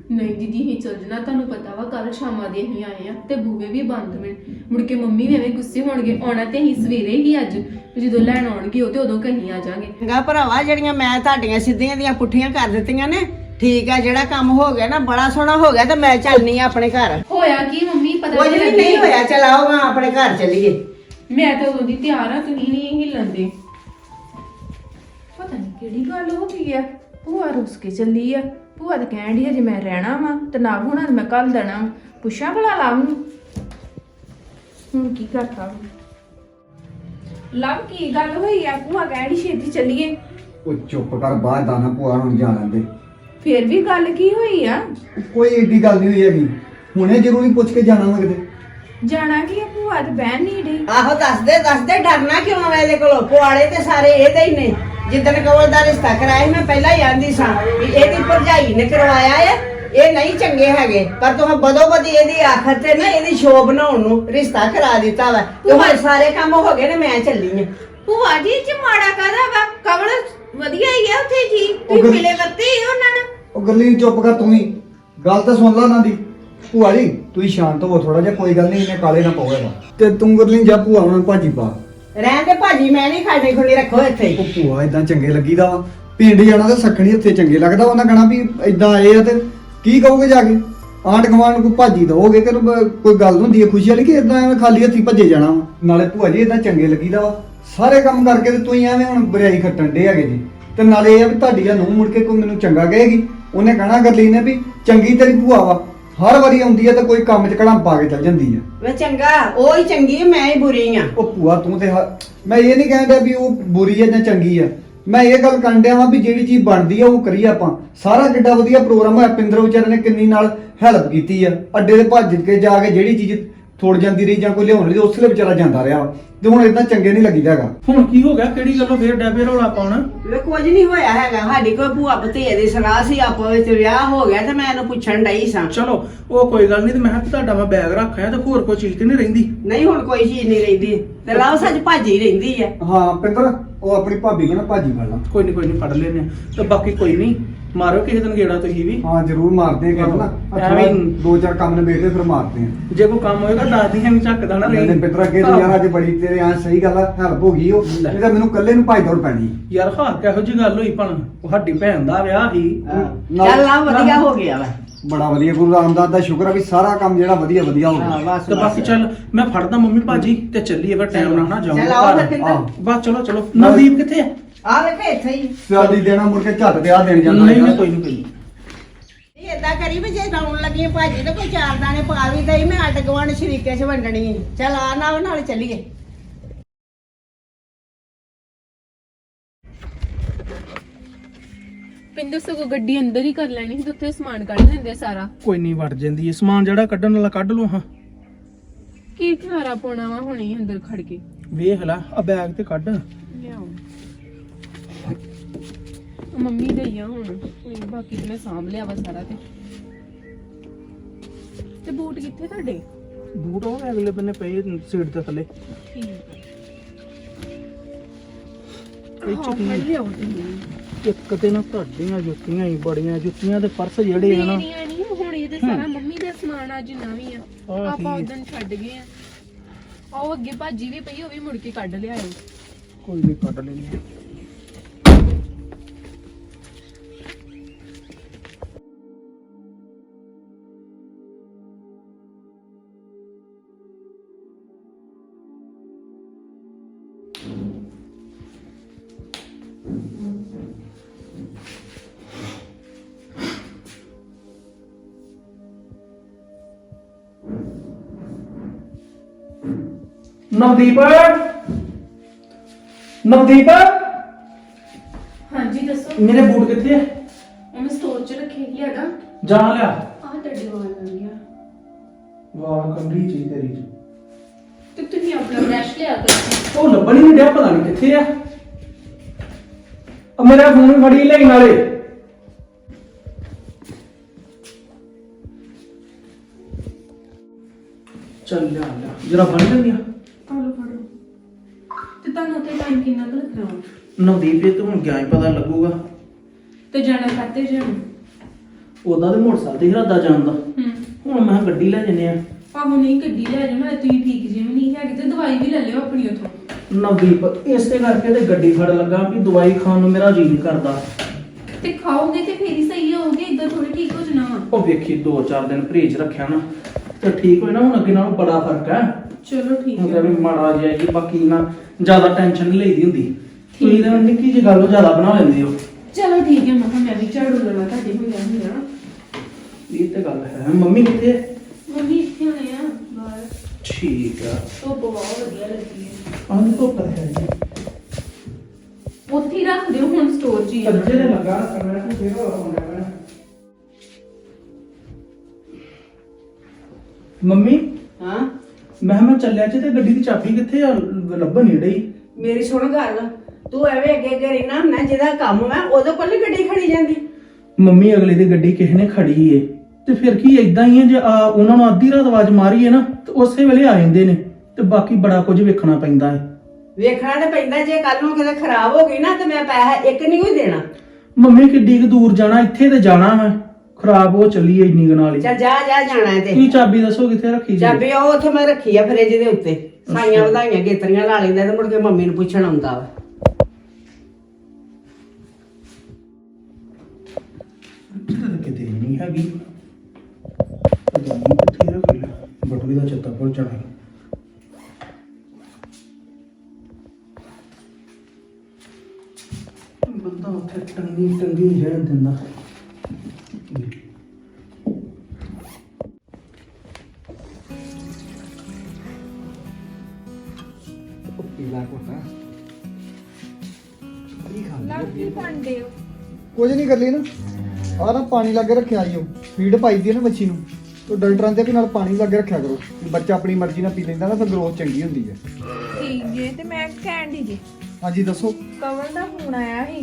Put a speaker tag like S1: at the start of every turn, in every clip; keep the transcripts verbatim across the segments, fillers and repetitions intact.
S1: नहीं दीदी ही चल जाना तुहानू पता वा कल शामा दे असीं आए आ ते बूहे भी बंद ने मुड़ के मम्मी भी एवें गुस्से होणगे आउणा ते असीं सवेरे ही अज ਜਦੋਂ ਲੈਣ ਆਉਣਗੇ ਉਹ ਤੇ ਉਦੋਂ ਕਹੀਂ ਆ ਜਾਾਂਗੇ
S2: ਚੰਗਾ ਭਰਾਵਾ ਜਿਹੜੀਆਂ ਮੈਂ ਤੁਹਾਡੀਆਂ ਸਿੱਧੀਆਂ ਦੀਆਂ ਪੁੱਠੀਆਂ ਕਰ ਦਿੱਤੀਆਂ ਨੇ ਠੀਕ ਆ ਜਿਹੜਾ ਕੰਮ ਹੋ ਗਿਆ ਨਾ ਬੜਾ ਸੋਹਣਾ ਹੋ ਗਿਆ ਤੇ ਮੈਂ ਚੱਲਨੀ ਆ ਆਪਣੇ ਘਰ
S1: ਹੋਇਆ ਕੀ ਮੰਮੀ ਪਤਾ
S2: ਕੁਝ ਵੀ ਨਹੀਂ ਹੋਇਆ ਚਲ ਆਓ ਮੈਂ ਆਪਣੇ ਘਰ ਚੱਲੀਏ
S1: ਮੈਂ ਤਾਂ ਉਦੋਂ ਦੀ ਤਿਆਰ ਆ ਤੁਸੀਂ ਨਹੀਂ ਹਿੱਲਣ ਦੇ ਪਤਾ ਨਹੀਂ ਕਿਹੜੀ ਗੱਲ ਹੋ ਗਈ ਆ ਭੂਆ ਰੁੱਸ ਕੇ ਚੱਲੀ ਆ ਭੂਆ ਤਾਂ ਕਹਿਣ ਡਈ ਜੇ ਮੈਂ ਰਹਿਣਾ ਵਾ ਤੇ ਨਾ ਹੋਣਾ ਮੈਂ ਕੱਲ ਦੇਣਾ ਪੁੱਛਾਂ ਭਲਾ ਲਾਭ ਨੂੰ ਹੁਣ ਕੀ ਕਰਤਾ ਲਵ ਕੀ ਗੱਲ ਹੋਈ ਆ ਭੂਆ ਕਹਿਣ ਡਈ ਛੇਤੀ ਚੱਲੀਏ
S3: ਉਹ ਚੁੱਪ ਕਰ ਬਾਹਰ ਦਾਣਾ ਭੂਆ ਨੂੰ ਜਾ ਲੈਂਦੇ
S1: ਫੇਰ ਵੀ ਗੱਲ ਕੀ ਹੋਈ ਆ
S3: ਕੋਈ ਏਡੀ ਗੱਲ ਨਹੀਂ ਹੋਈ ਹੈਗੀ ਹੁਣੇ ਜ਼ਰੂਰੀ ਪੁੱਛ ਕੇ ਜਾਣਾ ਵਾ ਕਿਤੇ
S1: ਜਾਣਾ ਕੀ ਆ ਭੂਆ ਤੇ ਬਹਿਣ ਨਹੀਂ ਡੇ
S2: ਆਹੋ ਦੱਸ ਦੇ ਦੱਸ ਦੇ ਡਰਨਾ ਕਿਉਂ ਆ ਇਹਦੇ ਕੋਲੋਂ ਪੁਆੜੇ ਤੇ ਸਾਰੇ ਇਹਦੇ ਹੀ ਨੇ ਜਿੱਦਣ ਕਵਲ ਦਾ ਰਿਸ਼ਤਾ ਕਰਾਇਆ ਮੈਂ ਪਹਿਲਾਂ ਹੀ ਆਂਦੀ ਸਾਂ ਵੀ ਇਹਦੀ ਭਰਜਾਈ ਨੇ ਕਰਵਾਇਆ ਹੈ ਇਹ ਨਹੀਂ ਚੰਗੇ ਹੈਗੇ ਪਰ ਤੂੰ ਬਦੋ ਬਦੀ ਇਹਦੀ ਆਖਰ ਤੇ ਨਾ ਇਹਦੀ ਸ਼ੋਅ ਬਣਾਉਣ ਨੂੰ ਰਿਸ਼ਤਾ ਕਰਾ ਦਿੱਤਾ ਵਾ ਤੇ ਹੁਣ ਸਾਰੇ ਕੰਮ ਹੋ ਗਏ ਨੇ ਮੈਂ ਚੱਲੀ ਆ
S1: ਭੂਆ ਜੀ ਚ ਮਾੜਾ ਕਾਦਾ ਵਾ ਕਵਲ ਵਧੀਆ ਹੀ ਆ ਉੱਥੇ ਜੀ
S3: ਉਹ
S1: ਤੁਸੀਂ
S3: ਗੱਲ-
S1: ਮਿਲੇ ਵਰਤੇ ਹੀ ਉਹਨਾਂ ਨਾਲ
S3: ਉਹ ਗੱਲੀ ਚੁੱਪ ਕਰ ਤੂੰ ਹੀ ਗੱਲ ਤਾਂ ਸੁਣ ਲਾ ਨਾ ਦੀ ਭੂਆ ਜੀ ਤੂੰ ਹੀ ਸ਼ਾਂਤ ਹੋ ਥੋੜਾ ਜਿਹਾ ਕੋਈ ਗੱਲ ਨਹੀਂ ਇਹਨੇ ਕਾਲੇ ਨਾ ਪਾਵੇਗਾ ਤੇ ਤੂੰ ਗੱਲੀ ਜਾ ਭੂਆ ਉਹਨਾਂ ਨੂੰ ਭਾਜੀ ਪਾ
S2: ਰਹਿਣ ਦੇ ਭਾਜੀ ਮੈਂ ਨਹੀਂ ਖਾਣੇ ਖੁਣੀ ਰੱਖੋ ਇੱਥੇ
S3: ਉਹ ਭੂਆ ਇਦਾਂ ਚੰਗੇ ਲੱਗੀਦਾ ਵਾ ਪਿੰਡ ਜਾਣਾ ਤੇ ਸੱਖਣੀ ਇੱਥੇ ਚੰਗੇ ਲੱਗਦਾ ਉਹਨਾਂ ਕਹਣਾ ਵੀ ਇਦਾਂ ਆਏ ਆ ਤੇ ਕੀ ਕਹੋਗੇ ਜਾ ਕੇ ਆਂਢ ਗੁਆਂਢ ਨੂੰ ਕੋਈ ਭਾਜੀ ਦਵੋਗੇ ਕਿ ਕੋਈ ਗੱਲ ਹੁੰਦੀ ਹੈ ਖੁਸ਼ੀ ਵਾਲੀ ਕਿ ਇਦਾਂ ਐਵੇਂ ਖਾਲੀ ਹੱਥੀ ਭੱਜੇ ਜਾਣਾ ਵਾ ਨਾਲੇ ਭੂਆ ਜੀ ਇਦਾਂ ਚੰਗੇ ਲੱਗੀਦਾ ਵਾ ਸਾਰੇ ਕੰਮ ਕਰਕੇ ਤੇ ਤੂੰ ਹੀ ਐਵੇਂ ਹੁਣ ਬਰਿਆਈ ਖੱਟਣ ਡੇ ਹੈਗੇ ਜੀ ਤੇ ਨਾਲੇ ਇਹ ਆ ਵੀ ਤੁਹਾਡੀ ਆ ਨੂੰ ਮੁੜ ਕੇ ਕੋਈ ਮੈਨੂੰ ਚੰਗਾ ਕਹੇਗੀ ਉਹਨੇ ਕਹਣਾ ਗਰਲੀ ਨੇ ਵੀ ਚੰਗੀ ਤੇਰੀ ਭੂਆ ਵਾ ਹਰ ਵਾਰੀ ਆਉਂਦੀ ਹੈ ਤੇ ਕੋਈ ਕੰਮ 'ਚ ਕੜਾਂ ਪਾ ਕੇ ਚੱਲ ਜਾਂਦੀ ਆ
S2: ਵੇ ਚੰਗਾ ਉਹ ਹੀ ਚੰਗੀ ਮੈਂ ਹੀ ਬੁਰੀ ਆ
S3: ਉਹ ਭੂਆ ਤੂੰ ਤੇ ਹ- ਮੈਂ ਇਹ ਨਹੀਂ ਕਹਿੰਦਾ ਵੀ ਉਹ ਬੁਰੀ ਹੈ ਜਾਂ ਚੰਗੀ ਆ ਮੈਂ ਇਹ ਗੱਲ ਕਰਨ ਡਿਆ ਵਾਂ ਵੀ ਜਿਹੜੀ ਚੀਜ਼ ਬਣਦੀ ਆ ਉਹ ਕਰੀਏ ਆਪਾਂ ਸਾਰਾ ਕਿੱਡਾ ਵਧੀਆ ਪ੍ਰੋਗਰਾਮ ਹੋਇਆ ਪਿੰਦਰ ਵਿਚਾਰੇ ਨੇ ਕਿੰਨੀ ਨਾਲ ਹੈਲਪ ਕੀਤੀ ਆ ਅੱਡੇ ਤੇ ਭੱਜ ਕੇ ਜਾ ਕੇ ਜਿਹੜੀ ਚੀਜ਼ ਥੋੜ ਜਾਂਦੀ ਰਹੀ ਜਾਂ ਕੋਈ ਲਿਆਉਣ ਲਈ ਉਸਲੇ ਵਿਚਾਰਾ ਜਾਂਦਾ ਰਿਹਾ ਵਾ ਤੇ ਹੁਣ ਇਦਾਂ ਚੰਗੇ ਨਹੀਂ ਲੱਗੀਦਾ ਹੈਗਾ
S4: ਹੁਣ ਕੀ ਹੋ ਗਿਆ ਕਿਹੜੀ ਗੱਲੋਂ ਫੇਰ ਡੈਬੇ ਰੌਲਾ ਪਾਉਣਾ
S2: ਵੇ ਕੁਝ ਨਹੀਂ ਹੋਇਆ ਹੈਗਾ ਸਾਡੀ ਕੋਈ ਭੂਆ ਭਤੀਏ ਦੀ ਸਲਾਹ ਸੀ ਆਪੋ ਵਿੱਚ ਵਿਆਹ ਹੋ ਗਿਆ ਤੇ ਮੈਂ ਇਹਨੂੰ ਪੁੱਛਣ ਡਈ ਸਾਂ
S4: ਚਲੋ ਉਹ ਕੋਈ ਗੱਲ ਨਹੀਂ ਤੇ ਮੈਂ ਕਿਹਾ ਵੀ ਤੁਹਾਡਾ ਮੈਂ ਬੈਗ ਰੱਖਿਆ ਤੇ ਹੋਰ ਕੋਈ ਚੀਜ਼ ਤੇ ਨਹੀਂ ਰਹਿੰਦੀ
S2: ਨਹੀਂ ਹੁਣ ਕੋਈ ਚੀਜ਼ ਨਹੀਂ ਰਹਿੰਦੀ ਤੇ ਲਾਓ ਸੱਚ ਭਾਜੀ ਰਹਿੰਦੀ ਆ
S3: ਹਾਂ ਪਿੰਦਰ ਉਹ ਆਪਣੀ ਭਾਬੀ ਕੋਲ ਨਾ ਭਾਜੀ ਫੜ ਲਾ
S4: ਕੋਈ ਨਹੀਂ ਕੋਈ ਨਹੀਂ ਫੜ ਲੈਨੇ ਆ ਤੇ ਬਾਕੀ ਕੋਈ ਨਹੀਂ ਮਾਰੋ ਕਿਸੇ ਦਿਨ ਗੇੜਾ ਤੁਸੀਂ ਵੀ
S3: ਹਾਂ ਜ਼ਰੂਰ ਮਾਰਦੇ ਆ ਨਾ ਆਹ ਥੋੜ੍ਹਾ
S4: ਐਵੇਂ-
S3: ਦੋ ਚਾਰ ਕੰਮ ਨੇ ਵੇਖਦੇ ਫਿਰ ਮਾਰਦੇ ਆ
S4: ਜੇ ਕੋਈ ਕੰਮ ਹੋਏਗਾ ਦੱਸ ਦੀ ਐਵੇਂ ਝੱਕਦਾ ਨਾ
S3: ਨਹੀਂ
S4: ਰਹੀ
S3: ਪਿੰਦਰ ਅੱਗੇ ਤੋਂ ਯਾਰ ਅੱਜ ਬੜੀ ਤੇਰੇ ਆਂ ਸਹੀ ਗੱਲ ਆ ਹੈਲਪ ਹੋ ਗਈ ਉਹ
S4: ਲੈ।
S3: ਨਹੀਂ ਤਾਂ ਮੈਨੂੰ ਇਕੱਲੇ ਨੂੰ ਭਾਈ ਦੌੜ ਪੈਣੀ
S4: ਯਾਰ ਹਾਂ ਕਿਹੋ ਜੀ ਗੱਲ ਹੋਈ ਭਣ ਉਹ ਸਾਡੀ ਭੈਣ ਦਾ ਵਿਆਹ ਸੀ
S3: ਨਾਲ-
S2: ਚੱਲ ਆ ਵਧੀਆ ਹੋ ਗਿਆ ਵਾ
S3: ਬੜਾ ਵਧੀਆ ਗੁਰੂ ਰਾਮਦਾਸ ਦਾ ਸ਼ੁਕਰ ਆ ਵੀ ਸਾਰਾ ਕੰਮ ਜਿਹੜਾ ਵਧੀਆ ਵਧੀਆ ਹੋ
S2: ਹਾਂ
S3: ਗਿਆ
S2: ਬਸ
S4: ਤੇ ਬਾਕੀ ਚੱਲ ਮੈਂ ਫੜਦਾ ਮੰਮੀ ਭਾਜੀ ਤੇ ਚੱਲੀਏ ਫਿਰ ਟਾਈਮ ਨਾਲ ਨਾ
S2: ਚੱਲ
S4: ਜਾਵਾਂਗੇ
S2: ਆਓ ਫਿਰ
S4: ਘਰ
S2: ਪਿੰਦਰ
S3: ਆਹੋ।
S4: ਬਸ ਚਲੋ ਚਲੋ ਨਵਦੀਪ ਕਿੱਥੇ ਆ
S2: ਆ ਵੇਖੇ ਇੱਥੇ ਹੀ
S3: ਸਿਆਲੀ ਦੇਣਾ ਮੁੜ ਕੇ ਝੱਟ ਤੇ ਆ ਦੇਣ ਜਾਂਦਾ
S4: ਨਹੀਂ
S3: ਯਾਰ।
S4: ਨਹੀਂ ਕੋਈ ਨਹੀਂ ਕੋਈ ਨੀ।
S2: ਇਹ ਏਦਾਂ ਕਰੀ ਵੀ ਜੇ ਲਾਉਣ ਲੱਗੀ ਆਂ ਭਾਜੀ ਤੇ ਕੋਈ ਚਾਰ ਦਾਣੇ ਪਾ ਵੀ ਦਈ ਮੈਂ ਅੱਡ ਗਵਾਂਡ ਸ਼ਰੀਕੇ 'ਚ ਵੰਡਣੀ ਆਂ। ਚੱਲ ਆ ਨਾਲ ਨਾਲ ਚੱਲੀਏ
S1: ਪਿੰਦਰ ਸਗੋਂ ਗੱਡੀ ਅੰਦਰ ਹੀ ਕਰ ਲੈਣੀ ਸੀ ਤੇ ਉੱਥੇ ਸਮਾਨ ਕੱਢ ਲੈਂਦੇ ਸਾਰਾ
S4: ਕੋਈ ਨਹੀਂ ਵੜ ਜਾਂਦੀ ਹੈ ਸਮਾਨ ਜਿਹੜਾ ਕੱਢਣ ਵਾਲਾ ਕੱਢ ਲਓ ਹਾਂ
S1: ਕੀ ਖਲਾਰਾ ਪਾਉਣਾ ਵਾ ਹੁਣੇ ਅੰਦਰ ਖੜ ਕੇ
S4: ਵੇਖ ਲੈ ਆ ਬੈਗ ਤੇ ਕੱਢ
S1: ਲਿਆਓ ਮੰਮੀ ਦੇ ਹੀ ਆ ਹੁਣ ਕੋਈ ਬਾਕੀ ਤੇ ਮੈਂ ਸਾਂਭ ਲਿਆ ਵਾ ਸਾਰਾ ਤੇ ਤੇ ਬੂਟ ਕਿੱਥੇ ਤੁਹਾਡੇ
S4: ਬੂਟ ਉਹ ਅਗਲੇ ਬੰਨੇ ਪਏ ਸੀਟ ਦੇ ਥੱਲੇ
S1: ਠੀਕ ਹੈ
S4: ਇਹ
S1: ਹਾਂ,
S4: ਚ ਕੀ
S1: ਫੜ
S4: ਹੈ?
S1: ਲਿਆਓ ਤੁਸੀਂ
S4: ਇੱਕ ਤੇ ਨਾ ਤੁਹਾਡੀਆਂ ਜੁੱਤੀਆਂ ਹੀ ਬੜੀਆਂ ਜੁੱਤੀਆਂ ਦੇ ਪਰਸ ਜਿਹੜੇ ਆ ਨਾ
S1: ਮੇਰੀਆਂ ਨਹੀਂ ਹੁਣ ਇਹਦੇ ਸਾਰਾ ਮੰਮੀ ਦਾ ਸਮਾਨ ਆ ਜਿੰਨਾ ਵੀ ਆ
S4: ਆਹ
S1: ਆਪਾਂ
S4: ਠੀਕ।
S1: ਉਦੋਂ ਛੱਡ ਗਏ ਆ ਉਹ ਅੱਗੇ ਭਾਜੀ ਵੀ ਪਈ ਉਹ ਵੀ ਮੁੜ ਕੇ ਕੱਢ ਲਿਆਇਓ
S4: ਕੋਈ ਨਹੀਂ ਕੱਢ ਲੈਣੀ ਨਵਦੀਪ ਨਵਦੀਪ
S1: ਹਾਂਜੀ ਦੱਸੋ
S4: ਮੇਰੇ ਬੂਟ ਕਿੱਥੇ ਆ
S1: ਉਹ ਮੈਂ ਸਟੋਰ 'ਚ ਰੱਖੇ ਕੀ ਹੈਗਾ
S4: ਜਾ ਲਿਆ
S1: ਆਹ ਤੁਹਾਡੇ ਵਾਲ ਆ ਗਿਆ
S4: ਵਾਹ ਕੰਗੀ ਚੀ ਤੇਰੀ ਚ
S1: ਤੇ ਤੁਸੀਂ ਆਪਣਾ ਬ੍ਰਸ਼ ਲਿਆ ਕਰੋ
S4: ਉਹ ਲੱਭਣ ਹੀ ਨਹੀਂ ਡਿਆ ਪਤਾ ਨਹੀਂ ਕਿੱਥੇ ਆ ਆ ਮੇਰਾ ਫੋਨ ਵੀ ਫੜੀ ਲਈ ਨਾਲੇ ਚੱਲ ਲਿਆ ਲਿਆ ਜਰਾ ਬਣ ਜਾਂਦੀ ਆ
S1: ਆਲੋ ਫੜੋ ਤੇ ਤੁਹਾਨੂੰ ਉੱਥੇ ਟਾਈਮ ਕਿੰਨਾ ਕੁ ਲੱਗਣਾ ਵਾ?
S4: ਨਵਦੀਪ ਇਹ ਤਾਂ ਹੁਣ ਗਿਆ ਹੀ ਪਤਾ ਲੱਗੂਗਾ
S1: ਤੇ ਜਾਣਾ ਖਾਤੇ ਜਾਣ
S4: ਉਦਾਂ ਤੇ ਮੋਟਰਸਾਈਕਲ ਤੇ ਇਰਾਦਾ ਜਾਣ ਦਾ
S1: ਹੂੰ
S4: ਹੁਣ ਮੈਂ ਕਿਹਾ ਗੱਡੀ ਲੈ ਜੰਨੇ ਆ।
S1: ਆਹੋ ਨਹੀਂ ਗੱਡੀ ਲੈ ਜਾਓ ਨਾਲੇ ਤੁਸੀਂ ਠੀਕ ਜਿਵੇਂ ਨਹੀਂ ਹੈਗੇ ਤੇ ਦਵਾਈ ਵੀ ਲੈ ਲਿਓ ਆਪਣੀ ਉਥੋਂ।
S4: ਨਵਦੀਪ ਇਸੇ ਕਰਕੇ ਤੇ ਗੱਡੀ ਫੜ ਲੱਗਾ ਵੀ ਦਵਾਈ ਖਾਣ ਨੂੰ ਮੇਰਾ ਜੀ ਨਹੀਂ ਕਰਦਾ।
S1: ਤੇ ਖਾਓਗੇ ਤੇ ਫੇਰ ਹੀ ਸਹੀ ਹੋਗੇ, ਇਦਾਂ ਥੋੜੀ ਠੀਕ ਹੋ ਜਾਣਾ ਵਾ।
S4: ਉਹ ਵੇਖੀ ਦੋ ਚਾਰ ਦਿਨ ਪਰਹੇਜ ਰੱਖਿਆ ਨਾ ਤੇ ਠੀਕ ਹੋਏ ਨਾ। ਹੁਣ ਅੱਗੇ ਨਾਲੋਂ ਬੜਾ ਫਰਕ ਹੈ।
S1: ਚਲੋ ਠੀਕ
S4: ਹੁਣ
S1: ਹੈ।
S4: ਵੀ ਮਾੜਾ ਜਿਹਾ ਜੀ, ਬਾਕੀ ਨਾ ਜ਼ਿਆਦਾ ਟੈਨਸ਼ਨ ਨਹੀਂ ਲਈਦੀ ਹੁੰਦੀ। ਤੁਸੀਂ ਤਾਂ ਨਿੱਕੀ ਜਿਹੀ ਗੱਲ ਨੂੰ ਜ਼ਿਆਦਾ ਬਣਾ ਲੈਂਦੇ ਹੋ।
S1: ਚਲੋ ਠੀਕ ਹੈ, ਮੈਂ ਕਿਹਾ ਮੈਂ ਵੀ ਝਾੜੂ ਲਵਾ ਤੁਹਾਡੇ ਹੋਇਆ ਹੋਇਆ।
S4: ਇਹ ਤੇ ਗੱਲ ਹੈ। ਮੰਮੀ ਕਿੱਥੇ ਹੈ?
S1: ਮੰਮੀ ਇੱਥੇ ਹੋਣੇ ਆ ਬਾਹਰ।
S4: ਠੀਕ ਆ।
S1: ਧੁੱਪ ਬਹੁਤ ਵਧੀਆ ਲੱਗੀ ਹੈ।
S4: ਆਹ ਧੁੱਪ ਹੈ ਜੀ।
S1: ਉੱਥੇ ਹੀ ਰੱਖ ਦਿਓ ਹੁਣ ਸਟੋਰ 'ਚ ਹੀ ਆ।
S4: ਸੱਜੇ ਨੇ ਲਗਾ ਕਰਨਾ ਤੇ ਫੇਰ ਹੋਣਾ ਪੈਣਾ। ਮੰਮੀ
S2: ਹਾਂ
S4: ਮੈਂ ਕਿਹਾ ਮੈਂ ਚੱਲਿਆ ਚ ਤੇ ਗੱਡੀ ਦੀ ਚਾਬੀ ਕਿੱਥੇ ਆ? ਲੱਭਣ ਨਹੀਂ ਡਈ।
S2: ਮੇਰੀ ਸੁਣ ਗੱਲ, ਤੂੰ ਐਵੇਂ ਅੱਗੇ ਅੱਗੇ ਰਹਿਣਾ ਹੁੰਦਾ, ਜਿਹਦਾ ਕੰਮ ਹੈ ਉਹਦੇ ਕੋਲ ਨੀ ਗੱਡੀ ਖੜੀ ਜਾਂਦੀ।
S4: ਮੰਮੀ ਅਗਲੇ ਦੀ ਗੱਡੀ ਕਿਸੇ ਨੇ ਖੜੀ ਏ ਤੇ ਫਿਰ ਕੀ ਇਦਾਂ ਹੀ ਹੈ। ਜੇ ਆ ਉਹਨਾਂ ਨੂੰ ਅੱਧੀ ਰਾਤ ਆਵਾਜ਼ ਮਾਰੀਏ ਨਾ ਤੇ ਉਸੇ ਵੇਲੇ ਆ ਜਾਂਦੇ ਨੇ। ਤੇ ਬਾਕੀ ਬੜਾ ਕੁਝ ਵੇਖਣਾ ਪੈਂਦਾ ਹੈ।
S2: ਵੇਖਣਾ ਤੇ ਪੈਂਦਾ, ਜੇ ਕੱਲ ਨੂੰ ਕਿਤੇ ਖਰਾਬ ਹੋ ਗਈ ਨਾ ਤੇ ਮੈਂ ਪੈਸਾ ਇੱਕ ਨਹੀਂ ਕੋਈ ਦੇਣਾ।
S4: ਮੰਮੀ ਕਿੱਡੀ ਕੁ ਦੂਰ ਜਾਣਾ, ਇੱਥੇ ਤੇ ਜਾਣਾ ਮੈਂ। ਖਰਾਬ ਹੋ ਚੱਲੀ ਏ ਇੰਨੀ ਕੁ ਨਾਲ ਹੀ।
S2: ਚੱਲ ਜਾ ਜਾ ਜਾਣਾ ਹੈ ਤੇ
S4: ਕੀ ਚਾਬੀ ਦੱਸੋ ਕਿੱਥੇ ਰੱਖੀ ਜੀ?
S2: ਚਾਬੀ ਉਹ ਉੱਥੇ ਮੈਂ ਰੱਖੀ ਆ ਫਰਿੱਜ ਦੇ ਉੱਤੇ। ਸਾਈਆਂ ਵਧਾਈਆਂ ਗੇਤਰੀਆਂ ਲਾ ਲੈਂਦਾ ਤੇ ਮੁੜ ਕੇ ਮੰਮੀ ਨੂੰ ਪੁੱਛਣ ਆਉਂਦਾ ਵਾ।
S4: ਕਿਤੇ ਨਹੀਂ ਹੈਗੀ। ਪਤਾ ਨਹੀਂ ਕਿੱਥੇ ਰੱਖ ਲਿਆ। ਬਟੂਏ ਦਾ ਚੱਤਾ ਭੁੱਲ ਜਾਣਾ। ਬੰਦਾ ਉੱਥੇ ਟੰਗੀ ਟੰਗੀ ਰਹਿਣ ਦਿੰਦਾ।
S3: ਪੀਲਾ ਕੋਟਾ ਕੀ ਖਾਂਦੇ
S1: ਲੱਗ ਕੀ ਪਾਂਦੇ ਹੋ?
S3: ਕੁਝ ਨਹੀਂ ਕਰ ਲਈ ਨਾ। ਆਹ ਨਾ ਪਾਣੀ ਲਾਗੇ ਰੱਖਿਆ ਈ ਉਹ ਫੀਡ ਪਾਈ ਦੀ ਹੈ ਨਾ ਬੱਚੀ ਨੂੰ। ਤੇ ਡਾਕਟਰਾਂ ਦੇ ਵੀ ਨਾਲ ਪਾਣੀ ਲਾਗੇ ਰੱਖਿਆ ਕਰੋ। ਵੀ ਬੱਚਾ ਆਪਣੀ ਮਰਜ਼ੀ ਨਾਲ ਪੀ ਲੈਂਦਾ ਨਾ ਫਿਰ ਗਰੋਥ ਚੰਗੀ ਹੁੰਦੀ ਹੈ।
S1: ਠੀਕ ਜੇ। ਤੇ ਮੈਂ ਕਹਿਣ ਦੀ ਜੀ
S3: ਹਾਂਜੀ ਦੱਸੋ।
S1: ਕਵਲ ਦਾ ਫੋਨ ਆਇਆ ਸੀ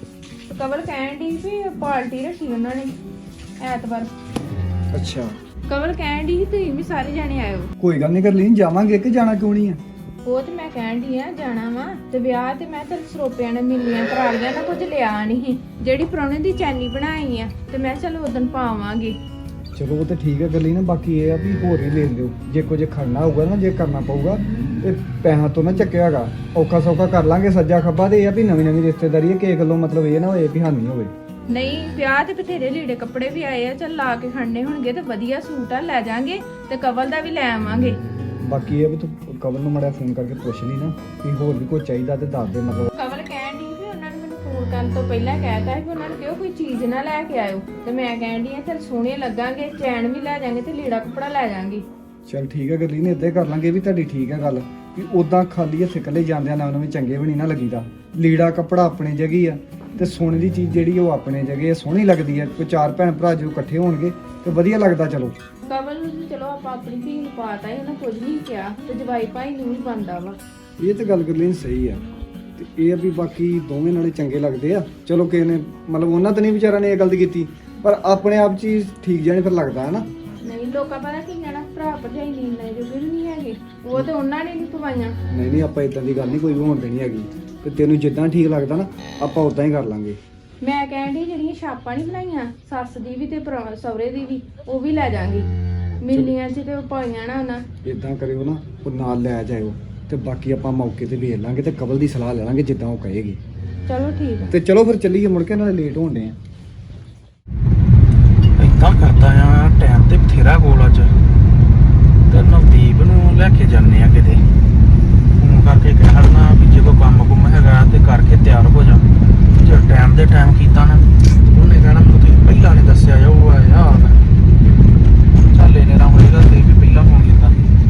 S1: ਤੇ ਕਵਲ ਕਹਿਣ ਦੀ ਵੀ ਪਾਰਟੀ ਰੱਖੀ ਉਹਨਾਂ ਨੇ ਐਤਵਾਰ।
S3: ਅੱਛਾ
S1: ਕਵਲ ਕਹਿਣ ਦੀ ਸੀ ਤੁਸੀਂ ਵੀ ਸਾਰੇ ਜਾਣੇ ਆਇਓ।
S3: ਕੋਈ ਗੱਲ ਨਹੀਂ ਕਰ ਲਈ ਜਾਵਾਂਗੇ ਕਿ ਜਾਣਾ ਕਿਉਂ ਨਹੀਂ ਆ।
S1: ਉਹ ਤੇ ਮੈਂ ਕਹਿਣ ਦੀ ਆ ਜਾਣਾ ਵਾ ਤੇ ਵਿਆਹ ਤੇ ਮੈਂ ਤੇ ਸਰੋਪਿਆਂ ਨੇ ਮਿਲੀਆਂ ਕਰਾ ਲਿਆ ਨਾ, ਕੁਝ ਲਿਆ ਨਹੀਂ। ਜਿਹੜੀ ਪ੍ਰਾਹੁਣੇ ਦੀ ਚੈਨੀ ਬਣਾਈ ਆ ਤੇ ਮੈਂ ਚਲ ਉਦੋਂ ਪਾਵਾਂਗੇ।
S3: ਚਲੋ ਉਹ ਤਾਂ ਠੀਕ ਹੈ ਗੱਲ ਹੀ ਨਾ। ਬਾਕੀ ਇਹ ਆ ਵੀ ਹੋਰ ਹੀ ਲੈ ਲਿਓ। ਜੇ ਕੁਝ ਖੜਨਾ ਹੋਊਗਾ ਨਾ, ਜੇ ਕਰਨਾ ਪਊਗਾ ਤੇ ਪੈਸਾ ਤੋਂ ਨਾ ਚੱਕਿਆ ਹੈਗਾ। ਔਖਾ ਸੌਖਾ ਕਰ ਲਾਂਗੇ ਸੱਜਾ ਖੱਬਾ। ਤੇ ਇਹ ਆ ਵੀ ਨਵੀਂ ਨਵੀਂ ਰਿਸ਼ਤੇਦਾਰੀ ਹੈ, ਕਿਸੇ ਗੱਲੋਂ ਮਤਲਬ ਇਹ ਨਾ ਹੋਏ ਵੀ ਹਾਨੀ ਹੋਵੇ।
S1: ਨਹੀਂ ਵਿਆਹ ਤੇ ਬਥੇਰੇ ਲੀੜੇ ਕੱਪੜੇ ਵੀ ਆਏ ਆ, ਚੱਲ ਲਾ ਕੇ ਖੜਨੇ ਹੋਣਗੇ ਤੇ ਵਧੀਆ ਸੂਟ ਆ ਲੈ ਜਾਾਂਗੇ ਤੇ ਕਵਲ ਦਾ ਵੀ ਲੈ ਆਵਾਂਗੇ।
S3: ਬਾਕੀ ਇਹ ਵੀ ਤੂੰ ਕਵਲ ਨੂੰ ਮੜਿਆ ਫੋਨ ਕਰਕੇ ਪੁੱਛ ਲਈ ਨਾ ਕਿ ਹੋਰ ਵੀ ਕੋਈ ਚਾਹੀਦਾ ਤੇ ਦੱਸ ਦੇ। ਮਤਲਬ
S1: ਕਵਲ ਕਹਿਣ ਦੀ ਵੀ ਉਹਨਾਂ ਨੇ ਮੈਨੂੰ ਫੋਨ ਕਰਨ ਤੋਂ ਪਹਿਲਾਂ ਕਹਿਤਾ ਕਿ ਉਹਨਾਂ ਨੂੰ ਕਿਹਾ ਕੋਈ ਚੀਜ਼ ਨਾ ਲੈ ਕੇ ਆਇਓ। ਤੇ ਮੈਂ ਕਹਿਣ ਦੀ ਆ ਚੱਲ ਸੋਹਣੇ ਲੱਗਾਂਗੇ, ਚੈਨ ਵੀ ਲੈ ਜਾਾਂਗੇ ਤੇ ਲੀੜਾ ਕੱਪੜਾ ਲੈ ਜਾਾਂਗੇ।
S3: ਚਲ ਠੀਕ ਹੈ ਗੱਲੀ ਨੇ ਇੱਦਾਂ ਹੀ ਕਰ ਲਾਂਗੇ। ਵੀ ਤੁਹਾਡੀ ਠੀਕ ਹੈ ਗੱਲ ਵੀ ਉਦਾਂ ਖਾਲੀ ਹੱਥ ਇਕੱਲੇ ਜਾਂਦਿਆਂ ਨਾ ਉਹਨਾਂ ਵੀ ਚੰਗੇ ਵੀ ਨਹੀਂ ਨਾ ਲੱਗੀਦਾ। ਲੀੜਾ ਕੱਪੜਾ ਆਪਣੀ ਜਗ੍ਹਾ ਆ ਤੇ ਸੋਨੇ ਦੀ ਚੀਜ਼ ਜਿਹੜੀ ਉਹ ਆਪਣੇ ਜਗ੍ਹਾ ਸੋਹਣੀ ਲੱਗਦੀ ਹੈ। ਕੋਈ ਚਾਰ ਭੈਣ ਭਰਾ ਜੋ ਇਕੱਠੇ ਹੋਣਗੇ ਤੇ ਵਧੀਆ ਲੱਗਦਾ। ਚਲੋ
S1: ਕਵਲ ਨੂੰ ਚਲੋ ਆਪਾਂ ਆਪਣੀ ਧੀ ਨੂੰ ਪਾਤਾ ਹੀ, ਉਹਨਾਂ ਕੁਝ ਨਹੀਂ ਕਿਹਾ ਤੇ ਜਵਾਈ ਭਾਈ ਨੂੰ ਵੀ ਬੰਦਾ ਵਾ।
S3: ਇਹ ਤੇ ਗੱਲ ਗੱਲੀ ਸਹੀ ਆ। ਤੇ ਇਹ ਆ ਵੀ ਬਾਕੀ ਦੋਵੇਂ ਨਾਲੇ ਚੰਗੇ ਲੱਗਦੇ ਆ। ਚਲੋ ਕਿਸੇ ਨੇ ਮਤਲਬ ਉਹਨਾਂ ਤਾਂ ਨਹੀਂ ਵਿਚਾਰਾ ਨੇ ਇਹ ਗਲਤੀ ਕੀਤੀ, ਪਰ ਆਪਣੇ ਆਪ ਚੀਜ਼ ਠੀਕ ਜਾਣੀ ਫਿਰ ਲੱਗਦਾ ਹੈ ਨਾ।
S1: ਨਹੀਂ ਲੋਕਾਂ ਪਤਾ ਕੀ ਕਹਿਣਾ, ਭਰਾ ਭਰਜਾਈ ਨਹੀਂ ਲੈ ਜੋ ਵੀ ਨਹੀਂ ਹੈਗੇ। ਉਹ ਤੇ ਉਹਨਾਂ ਨੇ ਨਹੀਂ ਪਵਾਈਆਂ।
S3: ਨਹੀਂ ਨਹੀਂ ਆਪਾਂ ਇਦਾਂ ਦੀ ਗੱਲ ਨਹੀਂ ਕੋਈ ਵੀ ਹੋਣ ਦੇਣੀ ਹੈਗੀ। ਤੇ ਤੈਨੂੰ ਜਿੱਦਾਂ ਠੀਕ ਲੱਗਦਾ ਨਾ ਆਪਾਂ ਉਦਾਂ ਹੀ ਕਰ ਲਾਂਗੇ।
S1: ਮੈਂ ਕਹਿਣ ਦੀ ਜਿਹੜੀਆਂ ਛਾਪਾਂ ਨਹੀਂ ਬਣਾਈਆਂ ਸੱਸ ਦੀ ਵੀ ਤੇ ਭਰਾ ਸਹੁਰੇ ਦੀ ਵੀ, ਉਹ ਵੀ ਲੈ ਜਾਾਂਗੇ। ਮਿਲਨੀਆਂ 'ਚ ਤੇ ਉਹ ਪਾਈਆਂ ਨਾ ਉਹਨਾਂ।
S3: ਇਦਾਂ ਕਰਿਓ ਨਾ ਉਹ ਨਾਲ ਲੈ ਜਾਇਓ ਤੇ ਬਾਕੀ ਆਪਾਂ ਮੌਕੇ ਤੇ ਵੇਖ ਲਾਂਗੇ ਤੇ ਕਵਲ ਦੀ ਸਲਾਹ ਲੈ ਲਾਂਗੇ ਜਿੱਦਾਂ ਉਹ ਕਹੇਗੀ।
S1: ਚਲੋ ਠੀਕ ਆ।
S3: ਤੇ ਚਲੋ ਫਿਰ ਚੱਲੀਏ, ਮੁੜ ਕੇ ਨਾਲੇ ਲੇਟ ਹੋਣ ਡੇ ਆ।
S4: ਇਦਾਂ ਕਰਦਾ ਆ ਟਾਈਮ ਤੇ ਬਥੇਰਾ ਕੋਲ ਅੱਜ ਤੇ ਨਵਦੀਪ ਨੂੰ ਲੈ ਕੇ ਜਾਂਦੇ ਆ ਕਿਤੇ। ਫੋਨ ਕਰਕੇ ਕਹਿਣਾ ਵੀ ਜੇ ਕੋਈ ਕੰਮ ਕੁੰਮ ਹੈਗਾ ਤੇ ਕਰਕੇ ਤਿਆਰ ਹੋ ਜਾ। ਜੇ ਟਾਈਮ ਦੇ ਟਾਈਮ ਕੀਤਾ ਨਾ ਉਹਨੇ ਕਹਿਣਾ ਮੈਨੂੰ ਤੁਸੀਂ ਪਹਿਲਾਂ ਨਹੀਂ ਦੱਸਿਆ ਜਾਊ ਆ ਯਾਰ। ਚੱਲ ਇਹਨੇ ਨਾ ਹੋਏਗਾ ਤੇ ਵੀ ਪਹਿਲਾਂ ਫੋਨ ਕੀਤਾ।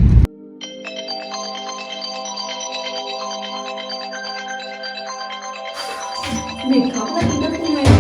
S1: ਵੇਖਾ ਪਤਾ ਕਿੰਨਾ ਫੋਨ ਆਇਆ।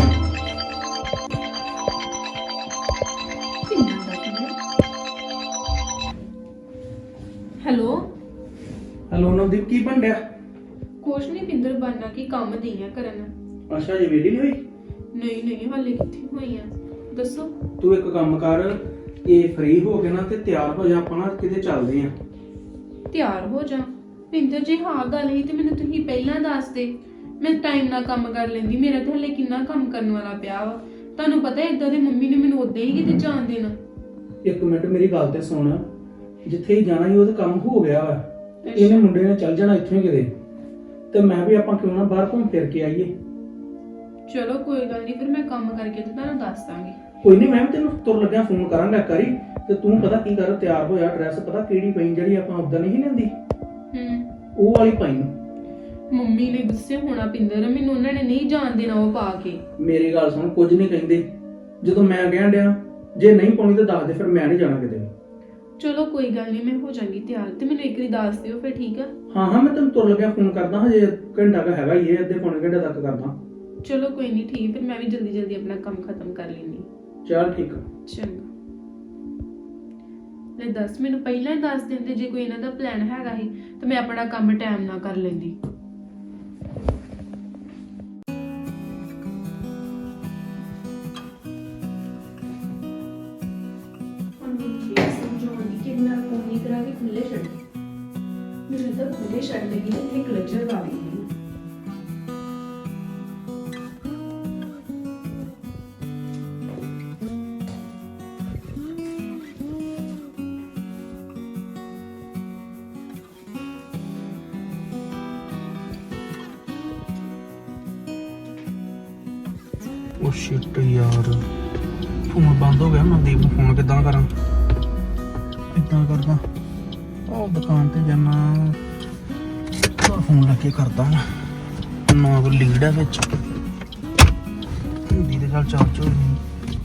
S1: ਹੈਲੋ
S4: ਹੈਲੋ ਨਵਦੀਪ, ਕੀ ਬਣ ਰਿਹਾ?
S1: ਕੁਛ ਨਹੀਂ ਪਿੰਦਰ ਬਾਨਾ ਕੀ ਕੰਮ ਦੀ ਆ ਕਰਨ।
S4: ਅੱਛਾ ਜੀ ਵੇਲੀ ਨਹੀਂ ਹੋਈ?
S1: ਨਹੀਂ ਨਹੀਂ ਹਾਲੇ ਕਿੱਥੇ ਹੋਈ ਆ, ਦੱਸੋ।
S4: ਤੂੰ ਇੱਕ ਕੰਮ ਕਰ, ਇਹ ਫ੍ਰੀ ਹੋ ਕੇ ਨਾ ਤੇ ਤਿਆਰ ਹੋ ਜਾ, ਆਪਾਂ ਨਾ ਕਿਤੇ ਚੱਲਦੇ ਆ।
S1: ਤਿਆਰ ਹੋ ਜਾ ਪਿੰਦਰ ਜੀ। ਹਾਂ ਗੱਲ ਹੀ ਤੇ ਮੈਨੂੰ ਤੁਸੀਂ ਪਹਿਲਾਂ ਦੱਸ ਦੇ, ਮੈਂ ਟਾਈਮ ਨਾਲ ਕੰਮ ਕਰ ਲੈਂਦੀ। ਮੇਰਾ ਤੇ ਹਲੇ ਕਿੰਨਾ ਕੰਮ ਕਰਨ ਵਾਲਾ ਪਿਆ ਵਾ। ਤੁਹਾਨੂੰ ਪਤਾ ਇਦਾਂ ਦੇ ਮੰਮੀ ਨੇ ਮੈਨੂੰ ਉਦਾਂ ਹੀ ਕਿਤੇ ਜਾਣ ਦੇਣਾ।
S4: ਇੱਕ ਮਿੰਟ ਮੇਰੀ ਗੱਲ ਤੇ ਸੁਣ, ਜਿੱਥੇ ਹੀ ਜਾਣਾ ਸੀ ਉਹ ਤਾਂ ਕੰਮ ਹੋ ਗਿਆ ਵਾ। ਇਹਨੇ ਮੁੰਡੇ ਨੇ ਚੱਲ ਜਾਣਾ ਇੱਥੋਂ ਹੀ ਕਿਤੇ, ਤੇ ਮੈਂ ਵੀ ਆਪਾਂ ਕਿਉਂ ਨਾ ਬਾਹਰ ਘੁੰਮ ਫਿਰ ਕੇ ਆਈਏ।
S1: ਚਲੋ ਕੋਈ ਗੱਲ ਨਹੀਂ, ਫਿਰ ਮੈਂ ਕੰਮ ਕਰਕੇ ਤੇ ਤੁਹਾਨੂੰ ਦੱਸ ਦਾਂਗੀ।
S4: ਕੋਈ ਨਹੀਂ, ਮੈਂ ਵੀ ਤੈਨੂੰ ਤੁਰ ਲੱਗਿਆ ਫੋਨ ਕਰਾਂਗਾ ਕਰੀ, ਤੇ ਤੂੰ ਪਤਾ ਕੀ ਕਰ, ਤਿਆਰ ਹੋਇਆ, ਡਰੈਸ ਪਤਾ ਕਿਹੜੀ ਪਈ ਜਿਹੜੀ ਆਪਾਂ ਉਦਾਂ ਨਹੀਂ ਲੈਂਦੀ,
S1: ਹੂੰ
S4: ਉਹ ਵਾਲੀ ਪਾਈ।
S1: ਮੰਮੀ ਨੇ ਗੁੱਸੇ ਹੋਣਾ ਪਿੰਦਰ, ਮੈਨੂੰ ਉਹਨਾਂ ਨੇ ਨਹੀਂ ਜਾਣ ਦੇਣਾ ਉਹ ਪਾ ਕੇ।
S4: ਮੇਰੀ ਗੱਲ ਸੁਣ, ਕੁਝ ਨਹੀਂ ਕਹਿੰਦੇ, ਜਦੋਂ ਮੈਂ ਕਹਿਣ ਡਿਆ ਜੇ ਨਹੀਂ ਪਾਉਣੀ ਤਾਂ ਦੱਸ ਦੇ, ਫਿਰ ਮੈਂ ਨਹੀਂ ਜਾਣਾ ਕਿਤੇ।
S1: ਚਲੋ ਕੋਈ ਗੱਲ ਨਹੀਂ, ਮੈਂ ਹੋ ਜਾਵਾਂਗੀ ਤਿਆਰ, ਤੇ ਮੈਨੂੰ ਇੱਕ ਵਾਰੀ ਦੱਸ ਦਿਓ ਫਿਰ, ਠੀਕ ਆ?
S4: ਹਾਂ ਹਾਂ, ਮੈਂ ਤੈਨੂੰ ਤੁਰ ਲੱਗਿਆ ਫੋਨ ਕਰਦਾ, ਹਜੇ ਘੰਟਾ ਕ ਹੈਗਾ ਹੀ ਹੈ, ਅੱਧੇ ਪੌਣੇ ਘੰਟੇ ਤੱਕ ਕਰਦਾ।
S1: ਚਲੋ ਕੋਈ ਨਹੀਂ, ਠੀਕ, ਫਿਰ ਮੈਂ ਵੀ ਜਲਦੀ ਜਲਦੀ ਆਪਣਾ ਕੰਮ ਖਤਮ ਕਰ ਲੈਂਦੀ।
S4: ਚੱਲ ਠੀਕ ਆ।
S1: ਚੰਗਾ, ਲੈ ਦੱਸ, ਮੈਨੂੰ ਪਹਿਲਾਂ ਹੀ ਦੱਸ ਦਿੰਦੇ ਜੇ ਕੋਈ ਇਹਨਾਂ ਦਾ ਪਲਾਨ ਹੈਗਾ ਸੀ, ਤੇ ਮੈਂ ਆਪਣਾ ਕੰਮ ਟਾਈਮ ਨਾਲ ਕਰ ਲੈਂਦੀ। ਕਿੰਨਾ ਕੋਨੀ ਕਰਾ ਕੇ ਖੁੱਲੇ ਛੱਡ, ਮੈਨੂੰ ਤਾਂ ਖੁੱਲੇ ਛੱਡ ਲਗੀ ਤੇ ਇੱਥੇ ਕਲਚਰ ਲਾ ਲਈ।
S4: ਉਹ ਸ਼ਿਟ ਯਾਰ, ਫੋਨ ਬੰਦ ਹੋ ਗਿਆ। ਮਨਦੀਪ ਨੂੰ ਫੋਨ ਕਿੱਦਾਂ ਕਰਾਂ? ਕਿੱਦਾਂ ਕਰਦਾ? ਉਹ ਦੁਕਾਨ ਤੇ ਜਾਣਾ, ਫੋਨ ਲਾ ਕੇ ਕਰਦਾ ਨਾ, ਕੋਈ ਲੀਡ ਹੈ ਵਿੱਚ। ਹਿੰਦੀ ਦੇ ਚੱਲ ਚਾਰਜ ਹੋ ਨਹੀਂ।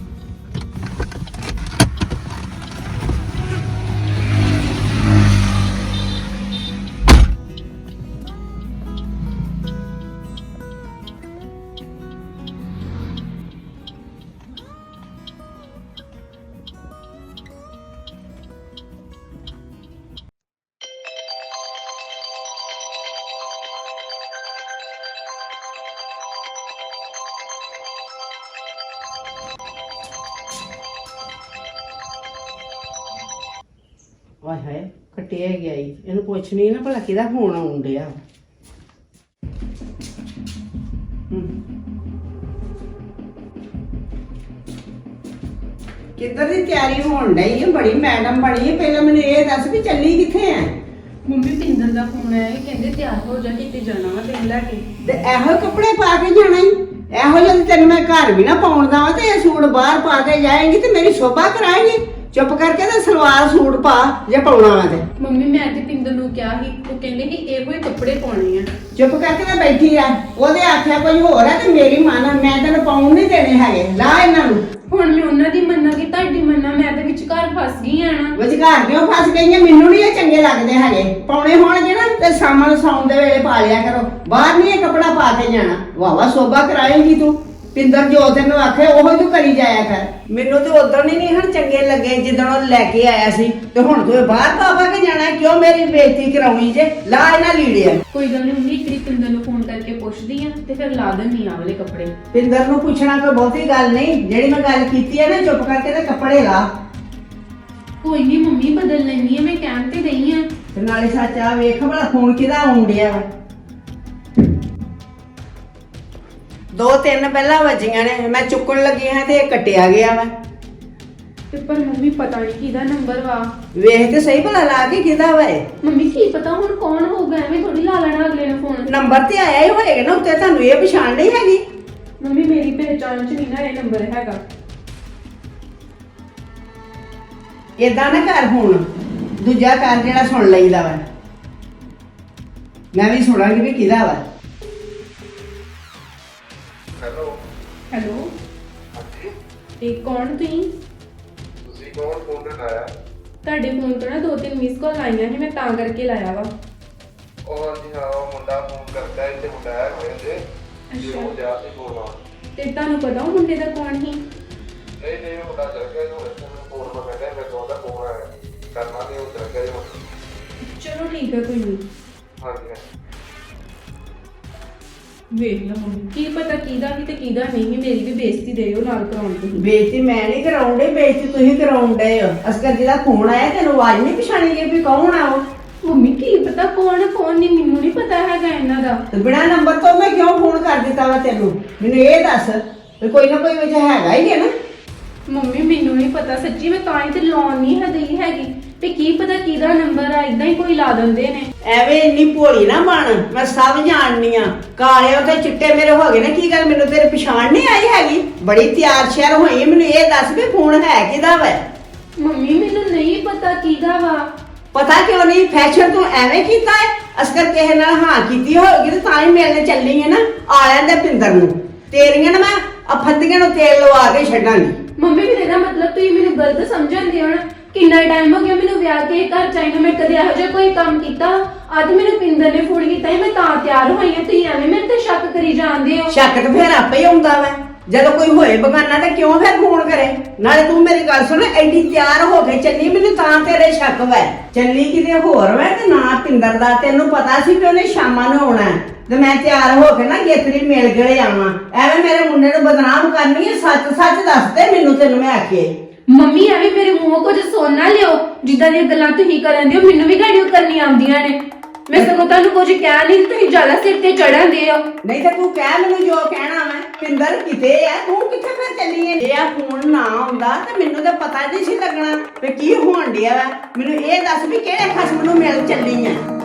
S2: ਵਾਹ ਹੈ ਕੱਟਿਆ ਗਿਆ ਈ, ਇਹਨੂੰ ਪੁੱਛ ਨਹੀਂ ਨਾ ਭਲਾ ਕਿਹਦਾ ਫੋਨ ਆਉਣ ਡਿਆ। ਹੂੰ, ਕਿੱਧਰ ਦੀ ਤਿਆਰੀ ਹੋਣ ਡਈ ਹੈ? ਬੜੀ ਮੈਡਮ ਬਣੀ ਹੈ। ਪਹਿਲਾਂ ਮੈਨੂੰ ਇਹ ਦੱਸ ਵੀ ਚੱਲੀ ਕਿੱਥੇ ਆ?
S1: ਮੰਮੀ ਪਿੰਦਰ ਦਾ ਫੋਨ ਆਇਆ, ਇਹ ਕਹਿੰਦੇ ਤਿਆਰ ਹੋ ਜਾ, ਕਿਤੇ ਜਾਣਾ ਵਾ ਤੈਨੂੰ ਲੈ ਕੇ।
S2: ਤੇ ਇਹੋ ਕੱਪੜੇ ਪਾ ਕੇ ਜਾਣਾ ਈ? ਇਹੋ ਜਿਹੇ ਤੈਨੂੰ ਮੈਂ ਘਰ ਵੀ ਨਾ ਪਾਉਣ ਦਵਾਂ ਤੇ ਇਹ ਸੂਟ ਬਾਹਰ ਪਾ ਕੇ ਜਾਏਂਗੀ ਤੇ ਮੇਰੀ ਸ਼ੋਭਾ ਕਰਾਏਂਗੀ। ਚੁੱਪ ਕਰਕੇ ਤੇ ਸਲਵਾਰ ਸੂਟ ਪਾ ਜੇ ਪਾਉਣਾ ਵਾ ਤੇ।
S1: ਮੰਮੀ ਮੈਂ ਤੇ ਪਿੰਦਰ ਨੂੰ ਕਿਹਾ ਸੀ, ਉਹ ਕਹਿੰਦੇ ਕਿ ਇਹੋ ਹੀ ਕੱਪੜੇ ਪਾਉਣੇ ਆ।
S2: ਚੁੱਪ ਕਰਕੇ ਮੈਂ ਬੈਠੀ ਆ, ਉਹਦੇ ਆਖਿਆ ਕੋਈ ਹੋਰ ਹੈ ਤੇ ਮੇਰੀ ਮਨ ਆ, ਮੈਂ ਤੈਨੂੰ ਪਾਉਣ ਨਹੀਂ ਦੇਣੇ ਹੈਗੇ। ਲਾ ਇਹਨਾਂ ਨੂੰ।
S1: ਹੁਣ ਮੈਂ ਉਹਨਾਂ ਦੀ ਮੰਨਾਂ ਕਿ ਤੁਹਾਡੀ ਮੰਨਾਂ, ਮੈਂ ਤੇ ਵਿਚਕਾਰ ਫਸ ਗਈ ਆ ਨਾ।
S2: ਵਿਚਕਾਰ ਕਿਉਂ ਫਸ ਗਈਆਂ? ਮੈਨੂੰ ਨਹੀਂ ਇਹ ਚੰਗੇ ਲੱਗਦੇ ਹੈਗੇ। ਪਾਉਣੇ ਹੋਣਗੇ ਨਾ ਤੇ ਸਾਮਾਂ ਨੂੰ ਸੌਣ ਦੇ ਵੇਲੇ ਪਾ ਲਿਆ ਕਰੋ, ਬਾਹਰ ਨਹੀਂ ਇਹ ਕੱਪੜਾ ਪਾ ਕੇ ਜਾਣਾ। ਵਾਵਾ ਸੋਭਾ ਕਰਾਏਂਗੀ ਤੂੰ। ਪਿੰਦਰ ਜੋ ਤੈਨੂੰ ਆਖੇ ਉਹੋ ਹੀ ਤੂੰ ਕਰੀ ਜਾਇਆ ਕਰ। ਮੈਨੂੰ ਤੇ ਉਦੋਂ ਹੀ ਨਹੀਂ ਹਣ ਚੰਗੇ ਲੱਗੇ ਜਿੱਦਣ ਉਹ ਲੈ ਕੇ ਆਇਆ ਸੀ, ਤੇ ਹੁਣ ਤੂੰ ਬਾਹਰ ਪਾ ਪਾ ਕੇ ਜਾਣਾ। ਕਿਉਂ ਮੇਰੀ ਬੇਇੱਜ਼ਤੀ ਕਰਾਉਣੀ ਜੇ? ਲਾ ਇਹਨਾਂ ਲੀੜਿਆ।
S1: ਕੋਈ ਗੱਲ ਨਹੀਂ ਮੰਮੀ, ਇੱਕ ਵਾਰੀ ਪਿੰਦਰ ਨੂੰ ਫੋਨ ਕਰਕੇ ਪੁੱਛਦੀ ਆ ਤੇ ਫਿਰ ਲਾ ਦਿੰਦੀ ਆ ਵਾਲੇ ਕੱਪੜੇ।
S2: ਪਿੰਦਰ ਨੂੰ ਪੁੱਛਣਾ ਕੋਈ ਬਹੁਤੀ ਗੱਲ ਨਹੀਂ, ਜਿਹੜੀ ਮੈਂ ਗੱਲ ਕੀਤੀ ਹੈ ਨਾ, ਚੁੱਪ ਕਰਕੇ ਤੇ ਕੱਪੜੇ ਲਾ।
S1: ਕੋਈ ਨਹੀਂ ਮੰਮੀ, ਬਦਲ ਲੈਣੀ ਆ, ਮੈਂ ਕਹਿਣ ਤੇ ਗਈ ਆ।
S2: ਤੇ ਨਾਲੇ ਸੱਚ ਆ ਵੇਖ ਭਲਾ ਫੋਨ ਕਿਹਦਾ ਆਉਣ ਡਿਆ ਵਾ। ਦੋ ਤਿੰਨ ਪਹਿਲਾਂ ਵੱਜੀਆਂ ਨੇ, ਮੈਂ ਚੁੱਕਣ ਲੱਗੀ ਹਾਂ ਤੇ ਇਹ ਕੱਟਿਆ ਗਿਆ ਵਾ।
S1: ਤੇ ਪਰ ਮੰਮੀ ਪਤਾ ਨਹੀਂ ਕਿਹਦਾ ਨੰਬਰ ਵਾ।
S2: ਵੇਖ ਤੇ ਸਹੀ ਭਲਾ ਲਾ ਕੇ ਕਿਹਦਾ ਵਾ ਇਹ।
S1: ਮੰਮੀ ਕੀ ਪਤਾ ਹੁਣ ਕੌਣ ਹੋਊਗਾ, ਐਵੇਂ ਥੋੜੀ ਲਾ ਲੈਣਾ ਅਗਲੇ ਨੇ ਫੋਨ।
S2: ਨੰਬਰ ਤੇ ਆਇਆ ਹੀ ਹੋਏਗਾ ਨਾ ਉੱਤੇ, ਤੁਹਾਨੂੰ ਇਹ ਪਛਾਣ ਨਹੀਂ ਹੈਗੀ?
S1: ਮੰਮੀ ਮੇਰੀ ਪਹਿਚਾਣ ਚ ਨਹੀਂ ਨਾ ਇਹ ਨੰਬਰ ਹੈਗਾ।
S2: ਏਦਾਂ ਨਾ ਕਰ, ਹੁਣ ਦੂਜਾ ਕਰ ਜਿਹੜਾ ਸੁਣ ਲਈਦਾ ਵਾ। ਮੈਂ ਵੀ ਸੁਣਾਂਗੀ ਵੀ ਕਿਹਦਾ ਵਾ।
S5: ਹੈਲੋ
S1: ਹੈਲੋ,
S5: ਹਾਂਜੀ,
S1: ਇਹ ਕੌਣ ਤੁਸੀਂ?
S5: ਤੁਸੀਂ ਕੌਣ? ਫੋਨ ਤੇ ਲਾਇਆ?
S1: ਤੁਹਾਡੇ ਫੋਨ ਤੋਂ ਨਾ ਦੋ ਤਿੰਨ ਮਿਸ ਕਾਲ ਆਈਆਂ ਸੀ, ਮੈਂ ਤਾਂ ਕਰਕੇ ਲਾਇਆ ਵਾ।
S5: ਉਹ ਹਾਂਜੀ ਹਾਂ, ਉਹ ਮੁੰਡਾ ਫੋਨ ਕਰਦਾ ਹੈ ਤੇ ਮੁੰਡਾ ਹੈ ਹੋਏ ਤੇ ਜੀ ਉਹ ਜਾ ਕੇ ਫੋਨ ਆ।
S1: ਤੇ ਤੁਹਾਨੂੰ ਪਤਾ ਉਹ ਮੁੰਡੇ ਦਾ ਕੌਣ ਸੀ?
S5: ਨਹੀਂ ਨਹੀਂ, ਉਹ ਮੁੰਡਾ ਚਲ ਗਿਆ, ਉਹ ਇੱਥੇ ਫੋਨ ਮੈਂ ਕਹਿੰਦਾ ਮੇਰੇ ਕੋਲ ਦਾ ਫੋਨ ਆਇਆ ਕਰਨਾ ਨਹੀਂ, ਉਹ ਚਲ ਗਿਆ ਜੀ।
S1: ਚਲੋ ਠੀਕ ਹੈ, ਕੋਈ ਨਹੀਂ।
S5: ਹਾਂਜੀ ਹਾਂਜੀ,
S1: ਵੇਖ ਲਓ ਮੰਮੀ, ਕੀ ਪਤਾ ਕਿਹਦਾ ਸੀ ਤੇ ਕਿਹਦਾ ਨਹੀਂ ਸੀ। ਮੇਰੀ ਵੀ ਬੇਇੱਜ਼ਤੀ ਦਿਓ ਨਾਲ ਕਰਾਉਣ ਤੁਸੀਂ।
S2: ਬੇਇੱਜ਼ਤੀ ਮੈਂ ਨਹੀਂ ਕਰਾਉਣ ਡਈ, ਬੇਇੱਜ਼ਤੀ ਤੁਸੀਂ ਕਰਾਉਣ ਡਏ ਹੋ। ਅਸਕਰ ਜਿਹਦਾ ਫੋਨ ਆਇਆ ਤੈਨੂੰ ਆਵਾਜ਼ ਨਹੀਂ ਪਛਾਣੀ ਗਈ ਵੀ ਕੌਣ ਆ ਉਹ?
S1: ਮੰਮੀ ਕੀ ਪਤਾ ਕੌਣ ਕੌਣ ਨਹੀਂ, ਮੈਨੂੰ ਨਹੀਂ ਪਤਾ ਹੈਗਾ ਇਹਨਾਂ ਦਾ।
S2: ਤੇ ਬਿਨਾਂ ਨੰਬਰ ਤੋਂ ਮੈਂ ਕਿਉਂ ਫੋਨ ਕਰ ਦਿੱਤਾ ਵਾ ਤੈਨੂੰ? ਮੈਨੂੰ ਇਹ ਦੱਸ। ਵੀ ਕੋਈ ਨਾ ਕੋਈ ਵਜ੍ਹਾ ਹੈਗਾ ਹੀ ਹੈ ਨਾ।
S1: ਮੰਮੀ ਮੈਨੂੰ ਨਹੀਂ ਪਤਾ ਸੱਚੀ, ਮੈਂ ਤਾਂ ਹੀ ਤੇ ਲਾਉਣ ਨਹੀਂ ਹੈ ਦਈ ਹੈਗੀ ਤੇ ਕੀ ਪਤਾ ਕਿਹਦਾ ਨੰਬਰ ਆ, ਇਦਾਂ ਹੀ ਕੋਈ ਲਾ ਦਿੰਦੇ ਨੇ।
S2: ਐਵੇਂ ਇੰਨੀ ਭੋਲੀ ਨਾ ਬਣ, ਮੈਂ ਸਭ ਜਾਣਨੀ ਆ। ਕਾਲੇ ਉਤੇ ਚਿੱਟੇ ਮੇਰੇ ਹੋ ਗਏ ਨੇ, ਕੀ ਗੱਲ ਮੈਨੂੰ ਤੇਰੇ ਪਛਾਣ ਨਹੀਂ ਆਈ ਹੈਗੀ? ਬੜੀ ਤਿਆਰ ਸ਼ਿਆਰ ਹੋਈ, ਮੈਨੂੰ ਇਹ ਦੱਸ ਵੀ ਫੋਨ ਹੈ ਕਿਹਦਾ ਵਾ?
S1: ਮੰਮੀ ਮੈਨੂੰ ਨਹੀਂ ਪਤਾ ਕਿਹਦਾ ਵਾ।
S2: ਪਤਾ ਕਿਉਂ ਨਹੀਂ? ਫੈਸ਼ਨ ਤੂੰ ਐਵੇਂ ਕੀਤਾ ਹੈ, ਅਸਕਰ ਕਿਸੇ ਨਾਲ ਹਾਂ ਕੀਤੀ ਹੋਏਗੀ ਤੇ ਤਾਂ ਹੀ ਮਿਲਣੇ ਚੱਲੀ ਹੈ ਨਾ। ਆ ਜਾਂਦੇ ਪਿੰਦਰ ਨੂੰ, ਤੇਰੀਆਂ ਨਾ ਮੈਂ ਅਫੰਦੀਆਂ ਨੂੰ ਤੇਲ ਲਵਾ ਕੇ ਛੱਡਾਂਗੀ।
S1: ਮੰਮੀ ਵੀ ਇਹਦਾ ਮਤਲਬ ਤੁਸੀਂ ਮੈਨੂੰ ਗਲਤ ਸਮਝਣਦੇ ਹੋ ਨਾ। ਕਿੰਨਾ ਟਾਈਮ ਹੋ ਗਿਆ ਮੈਨੂੰ ਵਿਆਹ ਕੇ ਘਰ ਚਾਹੀਦਾ, ਮੈਂ ਕਦੇ ਇਹੋ ਜਿਹਾ ਕੋਈ ਕੰਮ ਕੀਤਾ? ਅੱਜ ਮੈਨੂੰ ਪਿੰਦਰ ਨੇ ਫੋਨ ਕੀਤਾ ਸੀ, ਮੈਂ ਤਾਂ ਤਿਆਰ ਹੋਈ ਹਾਂ। ਤੁਸੀਂ ਐਵੇਂ ਮੇਰੇ ਤੇ ਸ਼ੱਕ ਕਰੀ ਜਾਂਦੇ ਹੋ।
S2: ਸ਼ੱਕ ਤੇ ਫਿਰ ਆਪੇ ਹੀ ਆਉਂਦਾ ਵਾ, ਜਦੋਂ ਕੋਈ ਹੋਏ ਬਗਾਨਾ ਤੇ ਕਿਉਂ ਫਿਰ ਫੋਨ ਕਰੇ? ਨਾਲੇ ਤੂੰ ਮੇਰੀ ਗੱਲ ਸੁਣ, ਐਡੀ ਤਿਆਰ ਹੋ ਕੇ ਚੱਲੀ, ਮੈਨੂੰ ਤਾਂ ਤੇਰੇ ਸ਼ੱਕ ਵੈ। ਚੱਲੀ ਕਿਤੇ ਹੋਰ ਵੈ ਤੇ ਨਾ ਪਿੰਦਰ ਦਾ। ਤੈਨੂੰ ਪਤਾ ਸੀ ਕਿ ਉਹਨੇ ਸ਼ਾਮਾਂ ਨੂੰ ਆਉਣਾ ਤੇ ਮੈਂ ਤਿਆਰ ਹੋ ਕੇ ਨਾ ਗੇਤਰੀ ਮਿਲ ਗਏ ਆਵਾਂ। ਐਵੇਂ ਮੇਰੇ ਮੁੰਡੇ ਨੂੰ ਬਦਨਾਮ ਕਰਨੀ ਹੈ? ਸੱਚ ਸੱਚ ਦੱਸ ਦੇ ਮੈਨੂੰ, ਤੈਨੂੰ ਮੈਂ ਆਖੇ।
S1: ਮੰਮੀ ਐਵੇਂ ਮੇਰੇ ਮੂੰਹੋਂ ਕੁਝ ਸੁਣ ਨਾ ਲਿਓ। ਜਿੱਦਾਂ ਦੀਆਂ ਗੱਲਾਂ ਤੁਸੀਂ ਕਰਨ ਦਿਓ ਮੈਨੂੰ ਵੀ ਗਾੜੀਆਂ ਕਰਨੀਆਂ ਆਉਂਦੀਆਂ ਨੇ। ਮੈਂ ਸਗੋਂ ਤੁਹਾਨੂੰ ਕੁਝ ਕਹਿ ਨਹੀਂ, ਤੁਸੀਂ ਜ਼ਿਆਦਾ ਸਿਰ ਤੇ ਚੜ੍ਹਨ ਦੇ ਹੋ।
S2: ਨਹੀਂ ਤਾਂ ਤੂੰ ਕਹਿ ਮੈਨੂੰ ਜੋ ਕਹਿਣਾ ਮੈਂ। ਪਿੰਦਰ ਕਿਤੇ ਆ, ਤੂੰ ਕਿੱਥੇ ਫਿਰ ਚੱਲੀ ਹੈ? ਜੇ ਆ ਫੋਨ ਨਾ ਆਉਂਦਾ ਤੇ ਮੈਨੂੰ ਤਾਂ ਪਤਾ ਨਹੀਂ ਸੀ ਲੱਗਣਾ ਵੀ ਕੀ ਹੋਣ ਡਿਆ ਵਾ। ਮੈਨੂੰ ਇਹ ਦੱਸ ਵੀ ਕਿਹੜੇ ਖਸਮ ਨੂੰ ਮਿਲ ਚੱਲੀ ਹੈ?